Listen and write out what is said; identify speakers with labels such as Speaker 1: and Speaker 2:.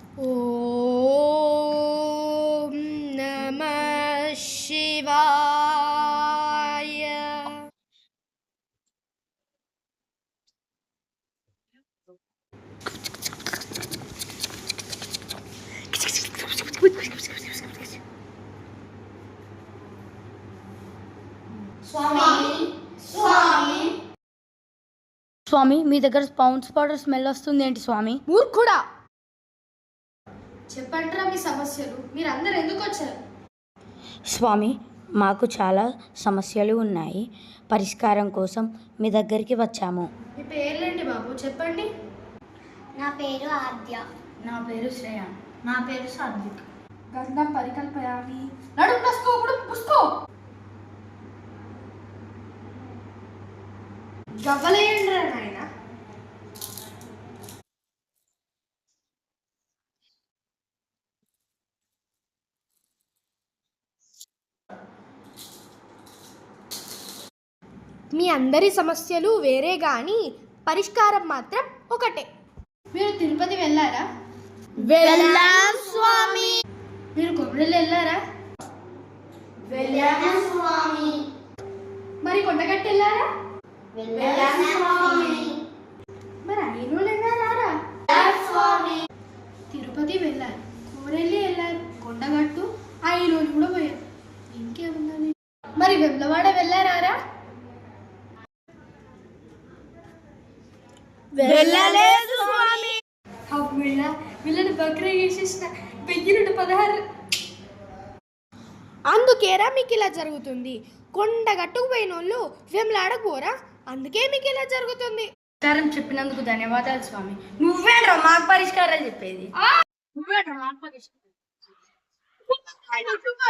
Speaker 1: ఓం నమః శివాయ.
Speaker 2: స్వామి, మీ దగ్గర పౌండ్స్ పౌడర్ స్మెల్ వస్తుంది ఏంటి స్వామి?
Speaker 1: మూర్ఖుడా, చెప్పండిరా మీ సమస్యలు. మీరందరూ ఎందుకు వచ్చారు?
Speaker 2: స్వామి, మాకు చాలా సమస్యలు ఉన్నాయి. పరిష్కారం కోసం మీ దగ్గరికి వచ్చాము.
Speaker 1: మీ పేర్లేంటి బాబు, చెప్పండి.
Speaker 3: నా పేరు ఆద్య.
Speaker 2: నా పేరు శ్రేయ. నా పేరు సాత్విక్.
Speaker 1: గంధం పరికల్పయామి. నడుము నసుకో, ఉడుము పుసుకో. గవ్వలేయండిరా నాయన. మీ అందరి సమస్యలు వేరే గాని పరిష్కారం మాత్రం ఒకటే. మీరు తిరుపతి వెళ్ళారా?
Speaker 3: వెళ్ళాం స్వామి.
Speaker 1: మీరు కొబ్బరిలో వెళ్ళారా?
Speaker 3: వెళ్ళాము స్వామి.
Speaker 1: మరి కొండగట్టు వెళ్ళారా?
Speaker 3: వెళ్ళాము స్వామి.
Speaker 1: మరి ఐనూరు వెళ్ళారా?
Speaker 3: స్వామి.
Speaker 1: తిరుపతి వెళ్ళారు, కోరెల్లి వెళ్ళారు, కొండగట్టు, ఐనూరు కూడా పోయారు. ఇంకేముందని? మరి వెమ్లవాడ వెళ్ళారా?
Speaker 3: వెళ్ళలేదు స్వామి.
Speaker 1: వీళ్ళని బక్రా చేసేసిన 1016. అందుకేరా మీకు ఇలా జరుగుతుంది. కొండగట్టుకు పోయిన వాళ్ళు వెమ్లాడకు పోరా, అందుకే మీకు ఇలా జరుగుతుంది.
Speaker 2: పరిష్కారం చెప్పినందుకు ధన్యవాదాలు స్వామి. నువ్వేంట్రా మాకు పరిష్కారాలు చెప్పేది?
Speaker 1: నువ్వేట్రా మాకు పరిష్కారం?